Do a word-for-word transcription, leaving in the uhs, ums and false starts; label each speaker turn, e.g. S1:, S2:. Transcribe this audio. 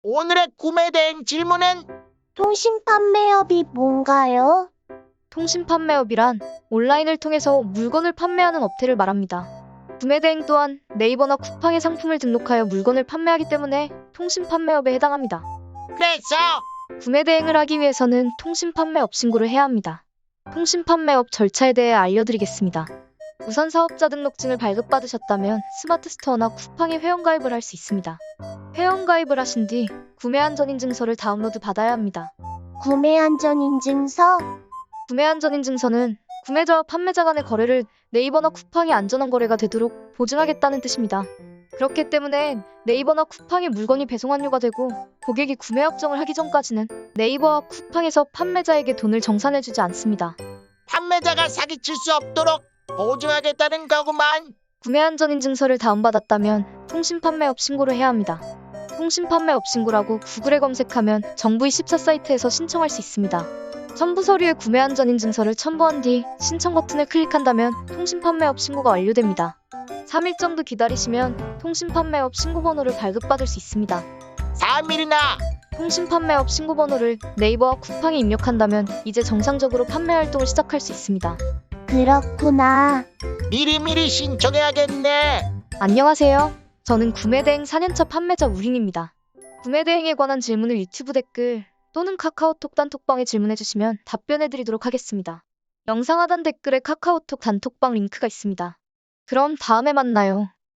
S1: 오늘의 구매 대행 질문은
S2: 통신 판매업이 뭔가요?
S3: 통신 판매업이란 온라인을 통해서 물건을 판매하는 업체를 말합니다. 구매 대행 또한 네이버나 쿠팡에 상품을 등록하여 물건을 판매하기 때문에 통신 판매업에 해당합니다.
S1: 그래서
S3: 구매 대행을 하기 위해서는 통신 판매업 신고를 해야 합니다. 통신 판매업 절차에 대해 알려드리겠습니다. 우선 사업자 등록증을 발급받으셨다면 스마트 스토어나 쿠팡에 회원가입을 할 수 있습니다. 회원가입을 하신 뒤 구매안전인증서를 다운로드 받아야 합니다.
S2: 구매안전인증서?
S3: 구매안전인증서는 구매자와 판매자 간의 거래를 네이버나 쿠팡이 안전한 거래가 되도록 보증하겠다는 뜻입니다. 그렇기 때문에 네이버나 쿠팡에 물건이 배송 완료가 되고 고객이 구매 확정을 하기 전까지는 네이버와 쿠팡에서 판매자에게 돈을 정산해주지 않습니다.
S1: 판매자가 사기칠 수 없도록 보증하겠다는 거구만.
S3: 구매안전인증서를 다운받았다면 통신판매업 신고를 해야 합니다. 통신판매업 신고라고 구글에 검색하면 정부 이십사 사이트에서 신청할 수 있습니다. 첨부 서류에 구매안전인증서를 첨부한 뒤 신청 버튼을 클릭한다면 통신판매업 신고가 완료됩니다. 삼 일 정도 기다리시면 통신판매업 신고번호를 발급받을 수 있습니다.
S1: 삼 일이나
S3: 통신판매업 신고번호를 네이버와 쿠팡에 입력한다면 이제 정상적으로 판매 활동을 시작할 수 있습니다.
S2: 그렇구나.
S1: 미리미리 신청해야겠네.
S3: 안녕하세요. 저는 구매대행 사 년차 판매자 우린입니다. 구매대행에 관한 질문을 유튜브 댓글 또는 카카오톡 단톡방에 질문해주시면 답변해드리도록 하겠습니다. 영상 하단 댓글에 카카오톡 단톡방 링크가 있습니다. 그럼 다음에 만나요.